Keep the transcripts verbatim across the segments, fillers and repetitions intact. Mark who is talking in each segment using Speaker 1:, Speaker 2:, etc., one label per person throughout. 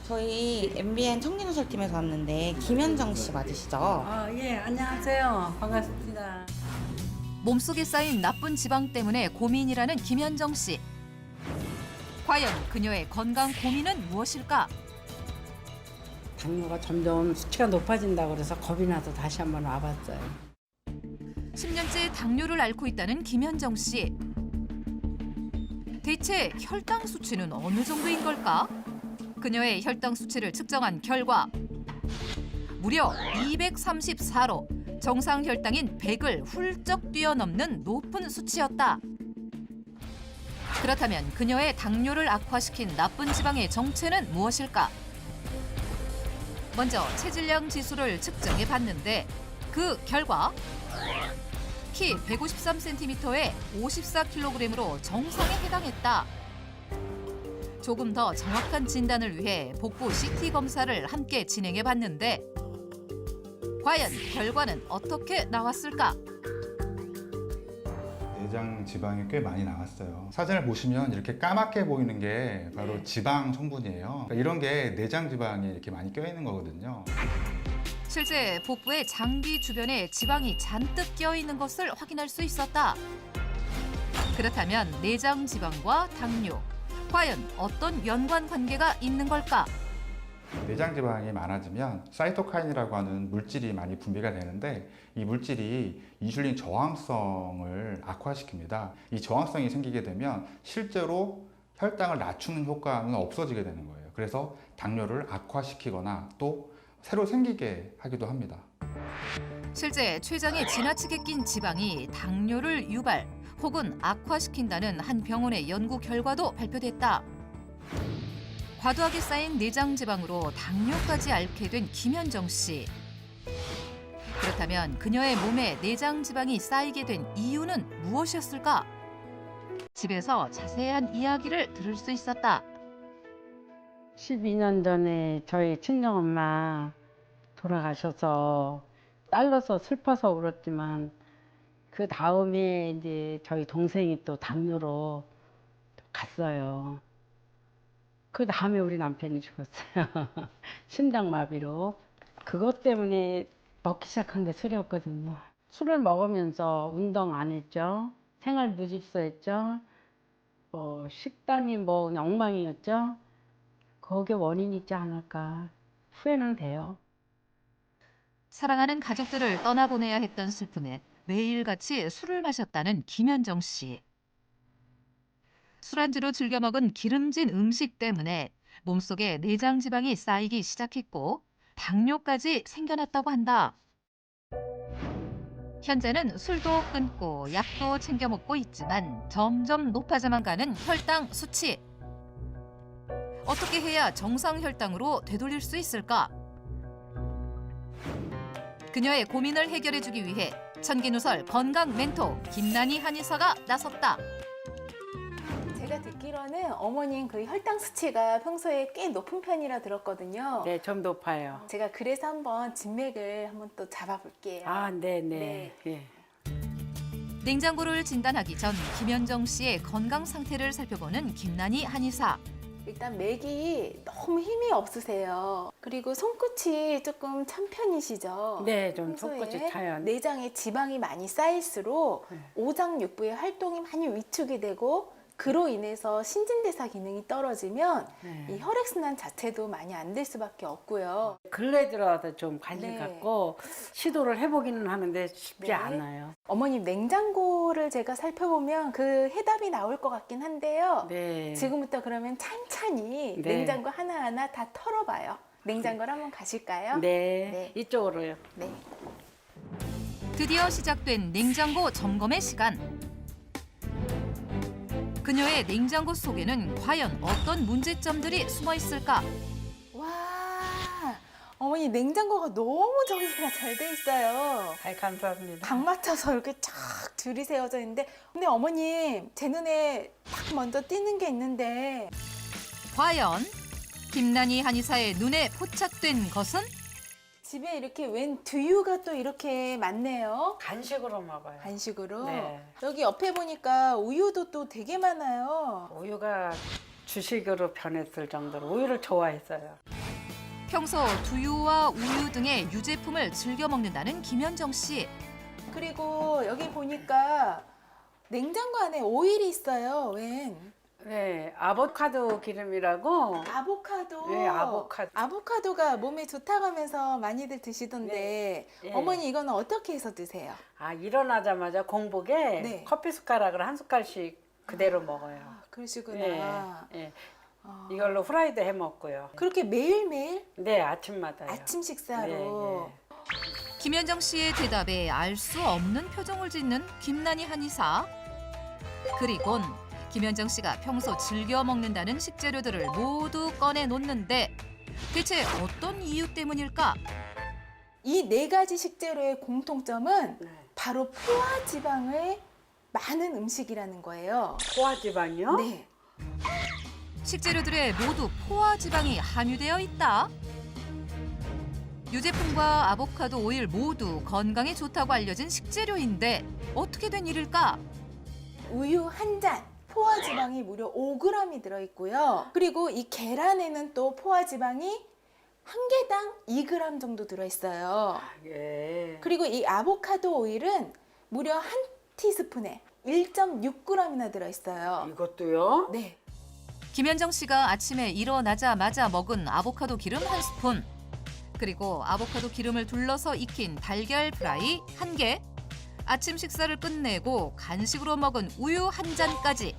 Speaker 1: 저희 엠비엔 청진누설팀에서 왔는데 김현정 씨 맞으시죠?
Speaker 2: 아, 예, 안녕하세요. 반갑습니다.
Speaker 3: 몸속에 쌓인 나쁜 지방 때문에 고민이라는 김현정 씨. 과연 그녀의 건강 고민은 무엇일까?
Speaker 2: 당뇨가 점점 수치가 높아진다고 그래서 겁이 나서 다시 한번 와봤어요.
Speaker 3: 십 년째 당뇨를 앓고 있다는 김현정 씨. 대체 혈당 수치는 어느 정도인 걸까? 그녀의 혈당 수치를 측정한 결과 무려 이백삼십사로 정상 혈당인 백을 훌쩍 뛰어넘는 높은 수치였다. 그렇다면 그녀의 당뇨를 악화시킨 나쁜 지방의 정체는 무엇일까? 먼저 체질량 지수를 측정해 봤는데 그 결과 키 백오십삼 센티미터에 오십사 킬로그램으로 정상에 해당했다. 조금 더 정확한 진단을 위해 복부 씨티 검사를 함께 진행해 봤는데 과연 결과는 어떻게 나왔을까?
Speaker 4: 내장 지방이 꽤 많이 나왔어요. 사진을 보시면 이렇게 까맣게 보이는 게 바로 지방 성분이에요. 그러니까 이런 게 내장 지방이 이렇게 많이 껴있는 거거든요.
Speaker 3: 실제 복부의 장기 주변에 지방이 잔뜩 껴 있는 것을 확인할 수 있었다. 그렇다면 내장 지방과 당뇨, 과연 어떤 연관 관계가 있는 걸까?
Speaker 4: 내장 지방이 많아지면 사이토카인이라고 하는 물질이 많이 분비가 되는데 이 물질이 인슐린 저항성을 악화시킵니다. 이 저항성이 생기게 되면 실제로 혈당을 낮추는 효과는 없어지게 되는 거예요. 그래서 당뇨를 악화시키거나 또 새로 생기게 하기도 합니다.
Speaker 3: 실제 췌장에 지나치게 낀 지방이 당뇨를 유발 혹은 악화시킨다는 한 병원의 연구 결과도 발표됐다. 과도하게 쌓인 내장 지방으로 당뇨까지 앓게 된 김현정 씨. 그렇다면 그녀의 몸에 내장 지방이 쌓이게 된 이유는 무엇이었을까? 집에서 자세한 이야기를 들을 수 있었다.
Speaker 2: 십이 년 전에 저희 친정엄마 돌아가셔서 딸로서 슬퍼서 울었지만 그 다음에 이제 저희 동생이 또 당뇨로 갔어요. 그 다음에 우리 남편이 죽었어요. 심장마비로. 그것 때문에 먹기 시작한 게 술이었거든요. 술을 먹으면서 운동 안 했죠. 생활 무질서했죠. 뭐 식단이 뭐 그냥 엉망이었죠. 거기에 원인이 있지 않을까 후회는 돼요.
Speaker 3: 사랑하는 가족들을 떠나보내야 했던 슬픔에 매일같이 술을 마셨다는 김현정 씨. 술안주로 즐겨 먹은 기름진 음식 때문에 몸속에 내장 지방이 쌓이기 시작했고 당뇨까지 생겨났다고 한다. 현재는 술도 끊고 약도 챙겨 먹고 있지만 점점 높아져만 가는 혈당 수치. 어떻게 해야 정상 혈당으로 되돌릴 수 있을까? 그녀의 고민을 해결해주기 위해 천기누설 건강 멘토 김난희 한의사가 나섰다.
Speaker 5: 제가 듣기로는 어머님 그 혈당 수치가 평소에 꽤 높은 편이라 들었거든요.
Speaker 2: 네, 좀 높아요.
Speaker 5: 제가 그래서 한번 진맥을 한번 또 잡아볼게요.
Speaker 2: 아, 네, 네. 예.
Speaker 3: 냉장고를 진단하기 전 김현정 씨의 건강 상태를 살펴보는 김난희 한의사.
Speaker 5: 일단 맥이 너무 힘이 없으세요. 그리고 손끝이 조금 찬 편이시죠?
Speaker 2: 네, 좀
Speaker 5: 평소에
Speaker 2: 손끝이 차요.
Speaker 5: 내장에 지방이 많이 쌓일수록
Speaker 2: 네.
Speaker 5: 오장육부의 활동이 많이 위축이 되고 그로 인해서 신진대사 기능이 떨어지면
Speaker 2: 네.
Speaker 5: 이 혈액순환 자체도 많이 안 될 수밖에 없고요.
Speaker 2: 근래 들어서 좀 관심
Speaker 5: 네.
Speaker 2: 갖고 시도를 해보기는 하는데 쉽지
Speaker 5: 네.
Speaker 2: 않아요.
Speaker 5: 어머님 냉장고를 제가 살펴보면 그 해답이 나올 것 같긴 한데요.
Speaker 2: 네.
Speaker 5: 지금부터 그러면 찬찬히
Speaker 2: 네.
Speaker 5: 냉장고 하나하나 다 털어봐요. 냉장고를 한번 가실까요?
Speaker 2: 네.
Speaker 5: 네.
Speaker 2: 이쪽으로요.
Speaker 5: 네.
Speaker 3: 드디어 시작된 냉장고 점검의 시간. 그녀의 냉장고 속에는 과연 어떤 문제점들이 숨어 있을까?
Speaker 5: 와, 어머니 냉장고가 너무 정리가 잘 돼 있어요.
Speaker 2: 아, 감사합니다.
Speaker 5: 각 맞춰서 이렇게 쫙 줄이 세워져 있는데 근데 어머님 제 눈에 딱 먼저 띄는 게 있는데
Speaker 3: 과연 김난희 한의사의 눈에 포착된 것은?
Speaker 5: 집에 이렇게 웬 두유가 또 이렇게 많네요.
Speaker 2: 간식으로 먹어요.
Speaker 5: 간식으로.
Speaker 2: 네.
Speaker 5: 여기 옆에 보니까 우유도 또 되게 많아요.
Speaker 2: 우유가 주식으로 변했을 정도로 우유를 좋아했어요.
Speaker 3: 평소 두유와 우유 등의 유제품을 즐겨 먹는다는 김현정 씨.
Speaker 5: 그리고 여기 보니까 냉장고 안에 오일이 있어요. 웬?
Speaker 2: 네, 아보카도 기름이라고.
Speaker 5: 아보카도.
Speaker 2: 네, 아보카도.
Speaker 5: 아보카도가 몸에 좋다고 하면서 많이들 드시던데
Speaker 2: 네.
Speaker 5: 어머니 이거는 어떻게 해서 드세요?
Speaker 2: 아, 일어나자마자 공복에
Speaker 5: 네.
Speaker 2: 커피 숟가락을 한 숟갈씩 그대로 먹어요.
Speaker 5: 아, 그러시구나.
Speaker 2: 예, 예.
Speaker 5: 어.
Speaker 2: 이걸로 후라이드 해 먹고요.
Speaker 5: 그렇게 매일매일
Speaker 2: 네, 아침마다요.
Speaker 5: 아침 식사로.
Speaker 2: 네,
Speaker 3: 김현정 씨의 대답에 알 수 없는 표정을 짓는 김난희 한의사. 그리곤 김현정 씨가 평소 즐겨 먹는다는 식재료들을 모두 꺼내 놓는데 대체 어떤 이유 때문일까?
Speaker 5: 이 네 가지 식재료의 공통점은
Speaker 2: 네.
Speaker 5: 바로 포화 지방의 많은 음식이라는 거예요.
Speaker 2: 포화지방이요?
Speaker 5: 네.
Speaker 3: 식재료들에 모두 포화 지방이 함유되어 있다. 유제품과 아보카도 오일 모두 건강에 좋다고 알려진 식재료인데 어떻게 된 일일까?
Speaker 5: 우유 한 잔, 포화 지방이 무려 오 그램이 들어있고요. 그리고 이 계란에는 또 포화 지방이 한 개당 이 그램 정도 들어있어요.
Speaker 2: 예.
Speaker 5: 그리고 이 아보카도 오일은 무려 한 티스푼에 일 점 육 그램이나 들어있어요.
Speaker 2: 이것도요?
Speaker 5: 네.
Speaker 3: 김현정 씨가 아침에 일어나자마자 먹은 아보카도 기름 한 스푼, 그리고 아보카도 기름을 둘러서 익힌 달걀 프라이 한 개, 아침 식사를 끝내고 간식으로 먹은 우유 한 잔까지.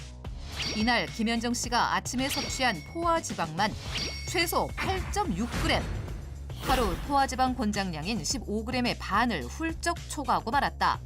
Speaker 3: 이날 김현정 씨가 아침에 섭취한 포화 지방만 최소 팔 점 육 그램. 하루 포화 지방 권장량인 십오 그램의 반을 훌쩍 초과하고 말았다.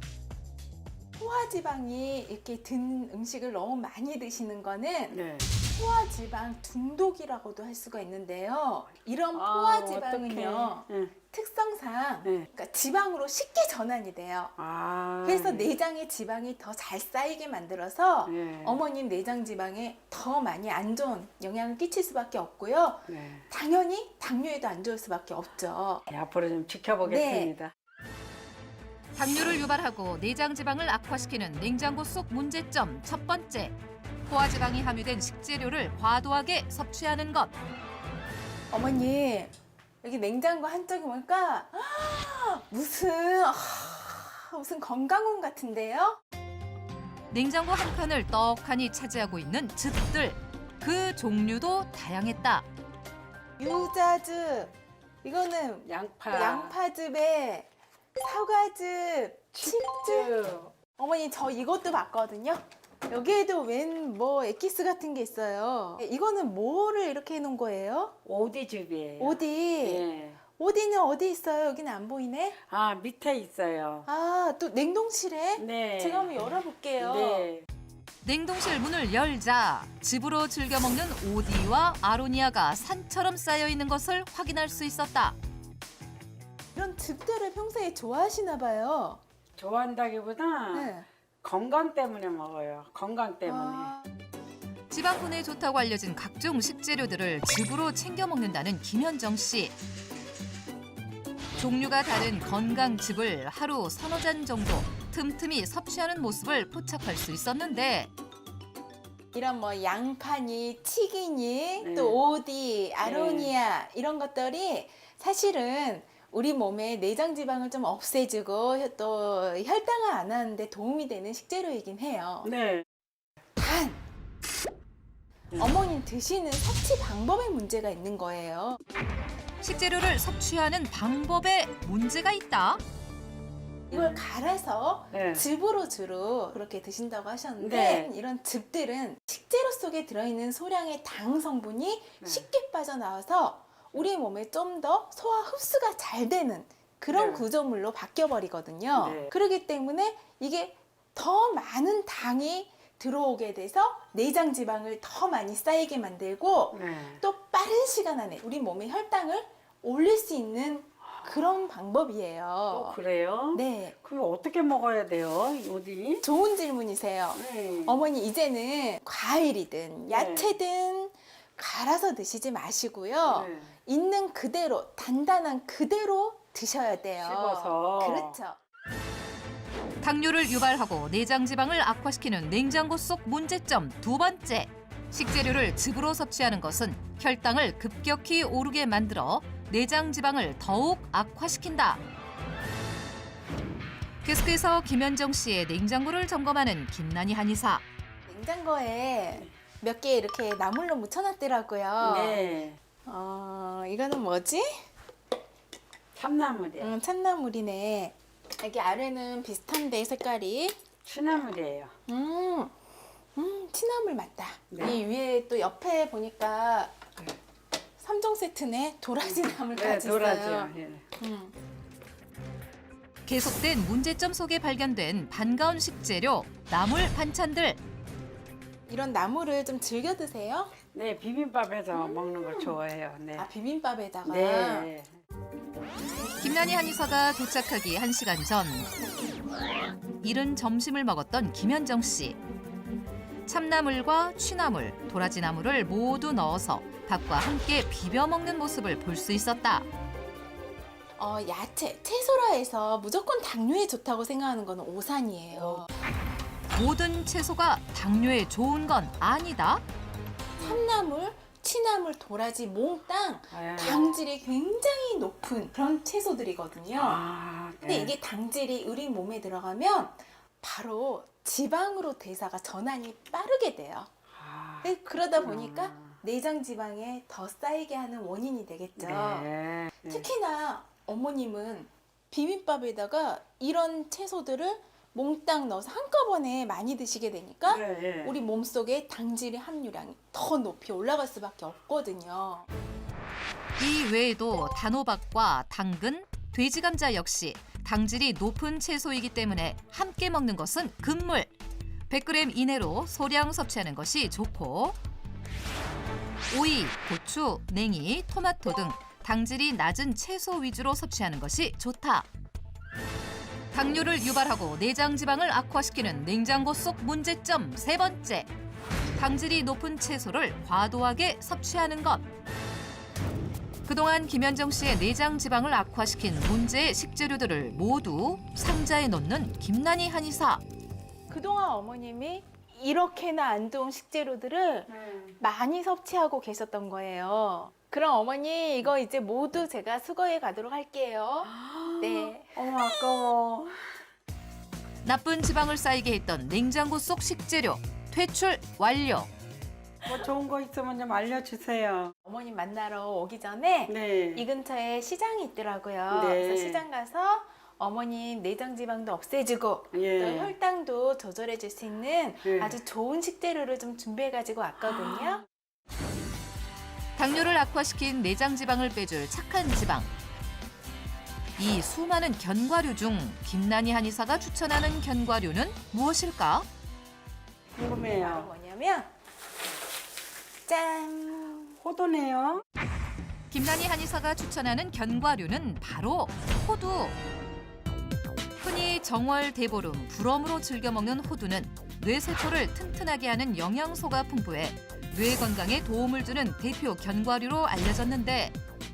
Speaker 5: 포화 지방이 이렇게 든 음식을 너무 많이 드시는 거는
Speaker 2: 네.
Speaker 5: 포화 지방 중독이라고도 할 수가 있는데요. 이런
Speaker 2: 아,
Speaker 5: 포화 지방은요,
Speaker 2: 어떡해. 네.
Speaker 5: 특성상
Speaker 2: 네.
Speaker 5: 그러니까 지방으로 쉽게 전환이 돼요.
Speaker 2: 아.
Speaker 5: 그래서 내장의 지방이 더 잘 쌓이게 만들어서
Speaker 2: 네.
Speaker 5: 어머님 내장 지방에 더 많이 안 좋은 영향을 끼칠 수밖에 없고요.
Speaker 2: 네.
Speaker 5: 당연히 당뇨에도 안 좋을 수밖에 없죠.
Speaker 2: 네, 앞으로 좀 지켜보겠습니다.
Speaker 3: 당뇨를 유발하고 내장 지방을 악화시키는 냉장고 속 문제점 첫 번째. 포화 지방이 함유된 식재료를 과도하게 섭취하는 것.
Speaker 5: 어머니 여기 냉장고 한쪽에 보니까 아, 무슨 아, 무슨 건강원 같은데요?
Speaker 3: 냉장고 한 칸을 떡하니 차지하고 있는 즙들. 그 종류도 다양했다.
Speaker 5: 유자즙 이거는
Speaker 2: 양파.
Speaker 5: 양파즙에 사과즙, 칩즙.
Speaker 2: 칩즙.
Speaker 5: 어머니 저 이것도 봤거든요. 여기에도 웬 뭐 엑기스 같은 게 있어요. 이거는 뭐를 이렇게 해놓은 거예요?
Speaker 2: 오디즙이에요.
Speaker 5: 오디.
Speaker 2: 예.
Speaker 5: 오디는 어디 있어요? 여기는 안 보이네.
Speaker 2: 아, 밑에 있어요.
Speaker 5: 아, 또 냉동실에?
Speaker 2: 네.
Speaker 5: 제가 한번 열어볼게요.
Speaker 2: 네.
Speaker 3: 냉동실 문을 열자 즙으로 즐겨 먹는 오디와 아로니아가 산처럼 쌓여 있는 것을 확인할 수 있었다.
Speaker 5: 이런 즙들을 평소에 좋아하시나 봐요.
Speaker 2: 좋아한다기보다
Speaker 5: 네.
Speaker 2: 건강 때문에 먹어요. 건강 때문에.
Speaker 5: 아,
Speaker 3: 지방분에 좋다고 알려진 각종 식재료들을 즙으로 챙겨 먹는다는 김현정 씨. 종류가 다른 건강즙을 하루 서너 잔 정도 틈틈이 섭취하는 모습을 포착할 수 있었는데
Speaker 5: 이런 뭐 양파니, 튀기니,
Speaker 2: 네.
Speaker 5: 또 오디, 아로니아 이런 것들이 사실은 우리 몸에 내장 지방을 좀 없애주고 또 혈당을 안 하는데 도움이 되는 식재료이긴 해요.
Speaker 2: 네.
Speaker 5: 단 어머님 드시는 섭취 방법에 문제가 있는 거예요.
Speaker 3: 식재료를 섭취하는 방법에 문제가 있다.
Speaker 5: 이걸 갈아서
Speaker 2: 네.
Speaker 5: 즙으로 주로 그렇게 드신다고 하셨는데
Speaker 2: 네.
Speaker 5: 이런 즙들은 식재료 속에 들어있는 소량의 당 성분이
Speaker 2: 네.
Speaker 5: 쉽게 빠져나와서 우리 몸에 좀 더 소화 흡수가 잘 되는 그런
Speaker 2: 네.
Speaker 5: 구조물로 바뀌어 버리거든요.
Speaker 2: 네.
Speaker 5: 그렇기 때문에 이게 더 많은 당이 들어오게 돼서 내장 지방을 더 많이 쌓이게 만들고
Speaker 2: 네.
Speaker 5: 또 빠른 시간 안에 우리 몸의 혈당을 올릴 수 있는 그런 방법이에요.
Speaker 2: 어, 그래요?
Speaker 5: 네.
Speaker 2: 그럼 어떻게 먹어야 돼요? 어디?
Speaker 5: 좋은 질문이세요.
Speaker 2: 네.
Speaker 5: 어머니 이제는 과일이든 야채든 갈아서 드시지 마시고요.
Speaker 2: 네.
Speaker 5: 있는 그대로 단단한 그대로 드셔야 돼요.
Speaker 2: 씹어서.
Speaker 5: 그렇죠.
Speaker 3: 당뇨를 유발하고 내장 지방을 악화시키는 냉장고 속 문제점 두 번째. 식재료를 즙으로 섭취하는 것은 혈당을 급격히 오르게 만들어 내장 지방을 더욱 악화시킨다. 계속해서 김현정 씨의 냉장고를 점검하는 김난희 한의사.
Speaker 5: 냉장고에 몇 개 이렇게 나물로 묻혀놨더라고요.
Speaker 2: 네.
Speaker 5: 어, 이거는 뭐지?
Speaker 2: 참나물이에요.
Speaker 5: 음, 참나물이네. 여기 아래는 비슷한데 색깔이.
Speaker 2: 추나물이에요.
Speaker 5: 음, 음, 취나물 맞다.
Speaker 2: 네.
Speaker 5: 이 위에 또 옆에 보니까 삼 종 세트네. 도라지 나물까지
Speaker 2: 네, 도라지요.
Speaker 5: 있어요.
Speaker 2: 예.
Speaker 5: 음.
Speaker 3: 계속된 문제점 속에 발견된 반가운 식재료, 나물 반찬들.
Speaker 5: 이런 나물을 좀 즐겨 드세요?
Speaker 2: 네, 비빔밥에서 먹는 걸 좋아해요. 네.
Speaker 5: 아, 비빔밥에다가.
Speaker 2: 네.
Speaker 3: 김난희 한의사가 도착하기 한 시간 전. 이른 점심을 먹었던 김현정 씨. 참나물과 취나물, 도라지나물을 모두 넣어서 밥과 함께 비벼 먹는 모습을 볼 수 있었다.
Speaker 5: 어, 야채, 채소라 해서 무조건 당뇨에 좋다고 생각하는 거는 오산이에요.
Speaker 3: 모든 채소가 당뇨에 좋은 건 아니다.
Speaker 5: 참나물, 취나물, 도라지, 몽땅
Speaker 2: 아,
Speaker 5: 당질이 굉장히 높은 그런 채소들이거든요.
Speaker 2: 아, 네.
Speaker 5: 근데 이게 당질이 우리 몸에 들어가면 바로 지방으로 대사가 전환이 빠르게 돼요.
Speaker 2: 아,
Speaker 5: 네, 그러다 보니까 내장 지방에 더 쌓이게 하는 원인이 되겠죠.
Speaker 2: 네. 네.
Speaker 5: 특히나 어머님은 비빔밥에다가 이런 채소들을 몽땅 넣어서 한꺼번에 많이 드시게 되니까
Speaker 2: 네, 네.
Speaker 5: 우리 몸속에 당질의 함유량이 더 높이 올라갈 수밖에 없거든요.
Speaker 3: 이 외에도 단호박과 당근, 돼지 감자 역시 당질이 높은 채소이기 때문에 함께 먹는 것은 금물. 백 그램 이내로 소량 섭취하는 것이 좋고 오이, 고추, 냉이, 토마토 등 당질이 낮은 채소 위주로 섭취하는 것이 좋다. 당뇨를 유발하고 내장 지방을 악화시키는 냉장고 속 문제점 세 번째. 당질이 높은 채소를 과도하게 섭취하는 것. 그동안 김현정 씨의 내장 지방을 악화시킨 문제의 식재료들을 모두 상자에 넣는 김난희 한의사.
Speaker 5: 그동안 어머님이 이렇게나 안 좋은 식재료들을
Speaker 2: 네.
Speaker 5: 많이 섭취하고 계셨던 거예요. 그럼 어머니 이거 이제 모두 제가 수거해 가도록 할게요. 네.
Speaker 2: 어머, 아까워.
Speaker 3: 나쁜 지방을 쌓이게 했던 냉장고 속 식재료 퇴출 완료.
Speaker 2: 뭐 좋은 거 있으면 좀 알려주세요.
Speaker 5: 어머님 만나러 오기 전에
Speaker 2: 네.
Speaker 5: 이 근처에 시장이 있더라고요.
Speaker 2: 네.
Speaker 5: 그래서 시장 가서 어머님 내장 지방도 없애주고
Speaker 2: 예.
Speaker 5: 또 혈당도 조절해 줄 수 있는
Speaker 2: 예.
Speaker 5: 아주 좋은 식재료를 좀 준비해 가지고 왔거든요.
Speaker 3: 당뇨를 악화시킨 내장 지방을 빼줄 착한 지방. 이 수많은 견과류 중 김난희 한의사가 추천하는 견과류는 무엇일까?
Speaker 5: 바로
Speaker 2: 궁금해요.
Speaker 5: 뭐냐면 짠!
Speaker 2: 호두네요.
Speaker 3: 김난희 한의사가 추천하는 견과류는 바로 호두. 흔히 정월, 대보름, 불엄으로 즐겨 먹는 호두는 뇌세포를 튼튼하게 하는 영양소가 풍부해 뇌 건강에 도움을 주는 대표 견과류로 알려졌는데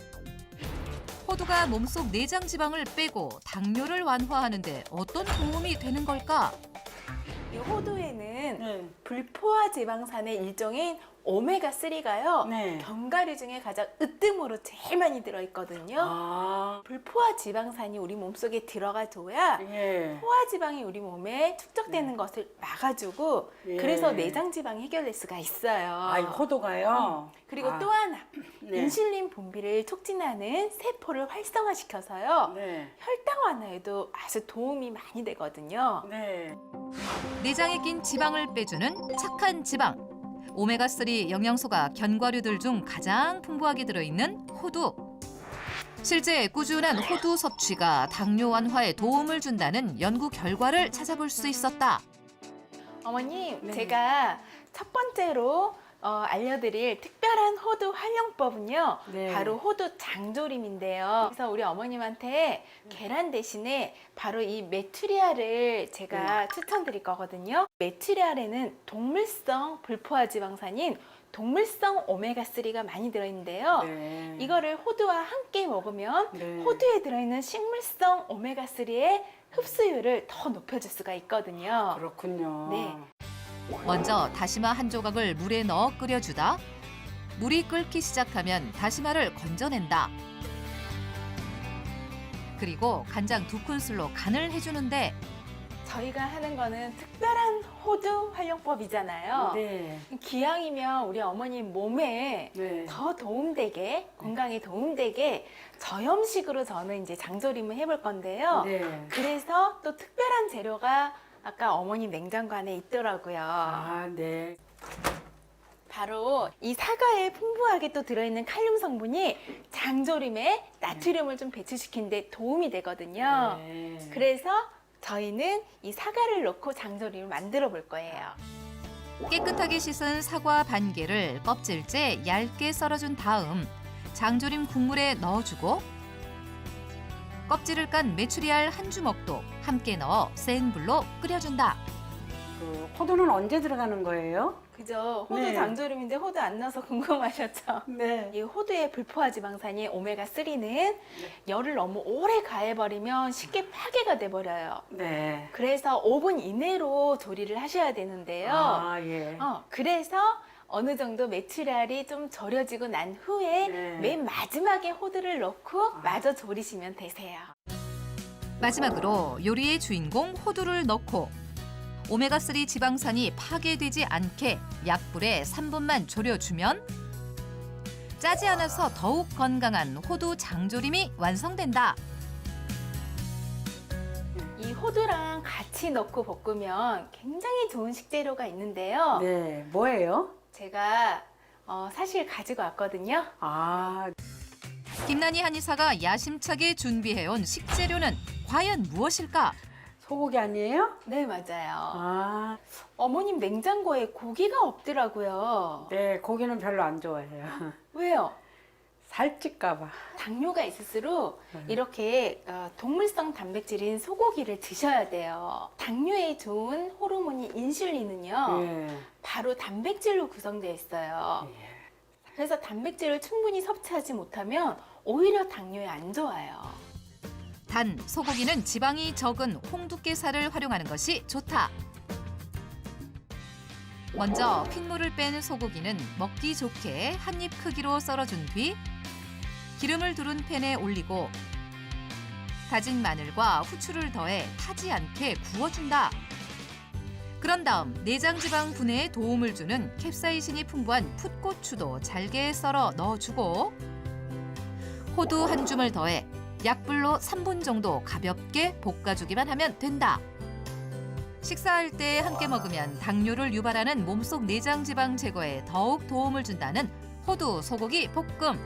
Speaker 3: 호두가 몸속 내장 지방을 빼고 당뇨를 완화하는 데 어떤 도움이 되는 걸까?
Speaker 5: 이 호두에는
Speaker 2: 네.
Speaker 5: 불포화 지방산의 일종인 오메가삼가요.
Speaker 2: 네.
Speaker 5: 견과류 중에 가장 으뜸으로 제일 많이 들어있거든요.
Speaker 2: 아,
Speaker 5: 불포화 지방산이 우리 몸속에 들어가줘야
Speaker 2: 예.
Speaker 5: 포화 지방이 우리 몸에 축적되는 것을 막아주고
Speaker 2: 예.
Speaker 5: 그래서 내장 지방이 해결될 수가 있어요.
Speaker 2: 아, 이 호두가요?
Speaker 5: 그리고
Speaker 2: 아,
Speaker 5: 또 하나
Speaker 2: 네.
Speaker 5: 인슐린 분비를 촉진하는 세포를 활성화시켜서요.
Speaker 2: 네.
Speaker 5: 혈당 완화에도 아주 도움이 많이 되거든요.
Speaker 2: 네.
Speaker 3: 내장에 낀 지방을 빼주는 착한 지방. 오메가삼 영양소가 견과류들 중 가장 풍부하게 들어있는 호두. 실제 꾸준한 호두 섭취가 당뇨 완화에 도움을 준다는 연구 결과를 찾아볼 수 있었다.
Speaker 5: 어머님,
Speaker 2: 네.
Speaker 5: 제가 첫 번째로 어, 알려드릴 특별한 호두 활용법은요.
Speaker 2: 네.
Speaker 5: 바로 호두 장조림인데요. 그래서 우리 어머님한테 계란 대신에 바로 이 메추리알을 제가 추천드릴 거거든요. 메추리알에는 동물성 불포화 지방산인 동물성 오메가삼가 많이 들어있는데요.
Speaker 2: 네.
Speaker 5: 이거를 호두와 함께 먹으면
Speaker 2: 네.
Speaker 5: 호두에 들어있는 식물성 오메가삼의 흡수율을 더 높여줄 수가 있거든요.
Speaker 2: 그렇군요.
Speaker 5: 네.
Speaker 3: 먼저 다시마 한 조각을 물에 넣어 끓여주다. 물이 끓기 시작하면 다시마를 건져낸다. 그리고 간장 두 큰술로 간을 해주는데
Speaker 5: 저희가 하는 거는 특별한 호두 활용법이잖아요.
Speaker 2: 네.
Speaker 5: 기왕이면 우리 어머님 몸에
Speaker 2: 네.
Speaker 5: 더 도움되게, 건강에 도움되게 저염식으로 저는 이제 장조림을 해볼 건데요.
Speaker 2: 네.
Speaker 5: 그래서 또 특별한 재료가 아까 어머님 냉장고 안에 있더라고요.
Speaker 2: 아, 네.
Speaker 5: 바로 이 사과에 풍부하게 또 들어있는 칼륨 성분이 장조림에 나트륨을 좀 배출시키는 데 도움이 되거든요.
Speaker 2: 네.
Speaker 5: 그래서 저희는 이 사과를 넣고 장조림을 만들어 볼 거예요.
Speaker 3: 깨끗하게 씻은 사과 반 개를 껍질째 얇게 썰어준 다음 장조림 국물에 넣어주고 껍질을 깐 메추리알 한 주먹도 함께 넣어 센 불로 끓여준다.
Speaker 2: 그 호두는 언제 들어가는 거예요?
Speaker 5: 그죠? 호두
Speaker 2: 네.
Speaker 5: 장조림인데 호두 안 넣어서 궁금하셨죠?
Speaker 2: 네.
Speaker 5: 이 호두의 불포화 지방산인 오메가삼는 열을 너무 오래 가해버리면 쉽게 파괴가 돼버려요.
Speaker 2: 네.
Speaker 5: 그래서 오 분 이내로 조리를 하셔야 되는데요.
Speaker 2: 아, 예.
Speaker 5: 어, 그래서 어느 정도 메추리알이 좀 절여지고 난 후에
Speaker 2: 네.
Speaker 5: 맨 마지막에 호두를 넣고 마저 조리시면 되세요.
Speaker 3: 마지막으로 요리의 주인공 호두를 넣고 오메가삼 지방산이 파괴되지 않게 약불에 삼 분만 졸여주면 짜지 않아서 더욱 건강한 호두 장조림이 완성된다.
Speaker 5: 이 호두랑 같이 넣고 볶으면 굉장히 좋은 식재료가 있는데요.
Speaker 2: 네. 뭐예요?
Speaker 5: 제가 어, 사실 가지고 왔거든요.
Speaker 2: 아,
Speaker 3: 김난희 한의사가 야심차게 준비해온 식재료는 과연 무엇일까?
Speaker 2: 소고기 아니에요?
Speaker 5: 네, 맞아요.
Speaker 2: 아,
Speaker 5: 어머님 냉장고에 고기가 없더라고요.
Speaker 2: 네. 고기는 별로 안 좋아해요.
Speaker 5: 왜요?
Speaker 2: 살찔까 봐.
Speaker 5: 당뇨가 있을수록
Speaker 2: 네.
Speaker 5: 이렇게 어, 동물성 단백질인 소고기를 드셔야 돼요. 당뇨에 좋은 호르몬인 인슐린은요.
Speaker 2: 예.
Speaker 5: 바로 단백질로 구성되어 있어요.
Speaker 2: 예.
Speaker 5: 그래서 단백질을 충분히 섭취하지 못하면 오히려 당뇨에 안 좋아요.
Speaker 3: 단 소고기는 지방이 적은 홍두깨살을 활용하는 것이 좋다. 먼저 핏물을 뺀 소고기는 먹기 좋게 한 입 크기로 썰어준 뒤 기름을 두른 팬에 올리고 다진 마늘과 후추를 더해 타지 않게 구워준다. 그런 다음 내장지방 분해에 도움을 주는 캡사이신이 풍부한 풋고추도 잘게 썰어 넣어주고 호두 한 줌을 더해 약불로 삼 분 정도 가볍게 볶아주기만 하면 된다. 식사할 때 함께 먹으면 당뇨를 유발하는 몸속 내장지방 제거에 더욱 도움을 준다는 호두 소고기 볶음.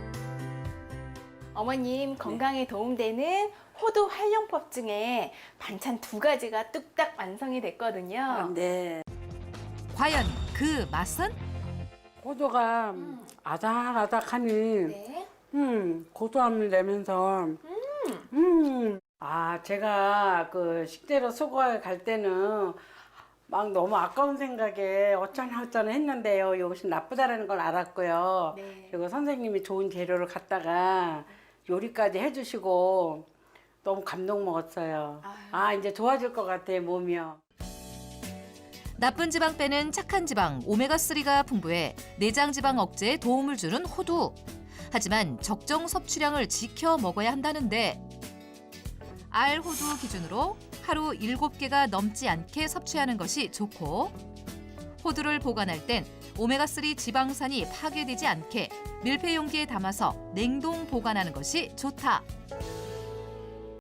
Speaker 5: 어머님 건강에 도움되는 호두 활용법 중에 반찬 두 가지가 뚝딱 완성이 됐거든요.
Speaker 2: 아, 네.
Speaker 3: 과연 그 맛은?
Speaker 2: 호두가 아삭아삭하니
Speaker 5: 네.
Speaker 2: 음, 고소함을 내면서 음. 아, 제가 그 식재료 수거에 갈 때는 막 너무 아까운 생각에 어쩌나 어쩌나 했는데요. 이것이 나쁘다라는 걸 알았고요.
Speaker 5: 네.
Speaker 2: 그리고 선생님이 좋은 재료를 갖다가 요리까지 해주시고 너무 감동 먹었어요.
Speaker 5: 아유.
Speaker 2: 아, 이제 좋아질 것 같아요, 몸이요.
Speaker 3: 나쁜 지방 빼는 착한 지방 오메가삼가 풍부해 내장 지방 억제에 도움을 주는 호두. 하지만 적정 섭취량을 지켜 먹어야 한다는데 알 호두 기준으로 하루 일곱 개가 넘지 않게 섭취하는 것이 좋고 호두를 보관할 땐 오메가삼 지방산이 파괴되지 않게 밀폐 용기에 담아서 냉동 보관하는 것이 좋다.